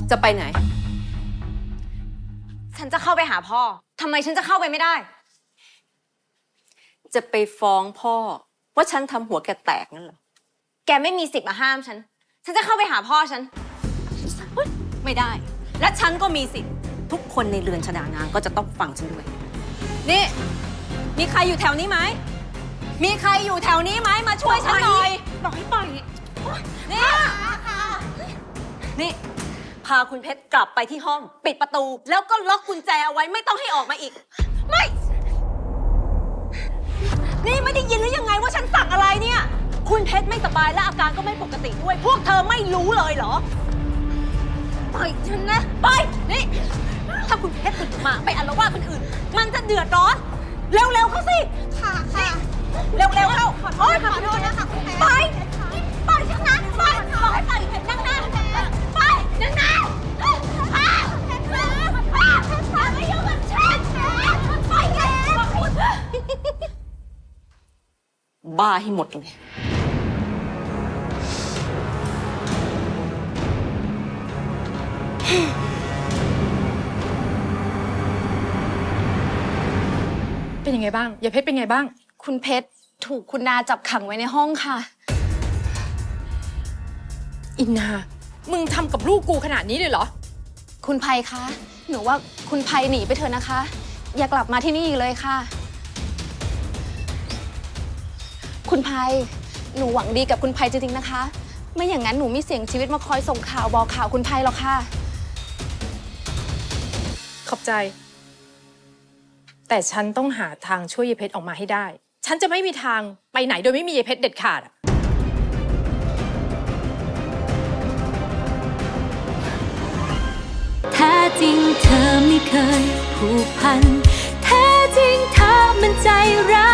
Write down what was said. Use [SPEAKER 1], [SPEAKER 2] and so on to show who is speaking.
[SPEAKER 1] จะไปไหน
[SPEAKER 2] ฉันจะเข้าไปหาพ่อ ทำไมฉันจะเข้าไปไม่ได้
[SPEAKER 1] จะไปฟ้องพ่อว่าฉันทำหัวแกแตกนั่นเหรอ
[SPEAKER 2] แกไม่มีสิทธิ์มาห้ามฉัน ฉันจะเข้าไปหาพ่อฉัน
[SPEAKER 1] ไม่ได้ และฉันก็มีสิทธิ์ทุกคนในเรือนชฎานางก็จะต้องฟังฉันด้วย นี่ มีใครอยู่แถวนี้ไหม มีใครอยู่แถวนี้ไหมมาช่วยฉันหน่อยบอกให้ปล่อยนี่นี่ พาคุณเพชรกลับไปที่ห้อง ปิดประตู แล้วก็ล็อกกุญแจเอาไว้ไม่ต้องให้ออกมาอีก ไม่ นี่ไม่ได้ยินหรือยังไงว่าฉันสั่งอะไรเนี่ย คุณเพชรไม่สบายและอาการก็ไม่ปกติด้วย พวกเธอไม่รู้เลยเหรอ ปล่อยฉันนะปล่อยนี่ ถ้าคุณเพชรตื่นมาไปอาละวาดคนอื่น มันจะเดือดร้อน เร็วๆเข้าสิ
[SPEAKER 2] ค่ะ
[SPEAKER 1] เร็วๆเข้า
[SPEAKER 2] ขอโทษนะคะคุณแม่ปล่อยปล่อยฉันนะปล่อยบอกให้ปล่อยนั่งหน้าปล่อยนั่งหน้าไม่ยุ่งกับฉันปล่อยแก
[SPEAKER 1] บ้าให้หมดเลย
[SPEAKER 3] เป็นยังไงบ้างยายเพชรเป็นไงบ้าง
[SPEAKER 2] คุณเพชรถูกคุณนาจับขังไว้ในห้องค่ะ
[SPEAKER 3] อินนา มึงทำกับลูกกูขนาดนี้เลยเหรอ
[SPEAKER 2] คุณไพคะ หนูว่าคุณไพหนีไปเถอะนะคะ อย่ากลับมาที่นี่อีกเลยค่ะ คุณไพหนูหวังดีกับคุณไพจริงๆนะคะ ไม่อย่างนั้นหนูมีเสียงชีวิตมาคอยส่งข่าวบอกข่าวคุณไพหรอกค่ะ
[SPEAKER 3] ขอบใจ แต่ฉันต้องหาทางช่วยยายเพชรออกมาให้ได้ ฉันจะไม่มีทางไปไหนโดยไม่มียายเพชรเด็ดขาดอะ
[SPEAKER 4] แท้จริงเธอไม่เคยผูกพันแท้จริงเธอมันใจร้าย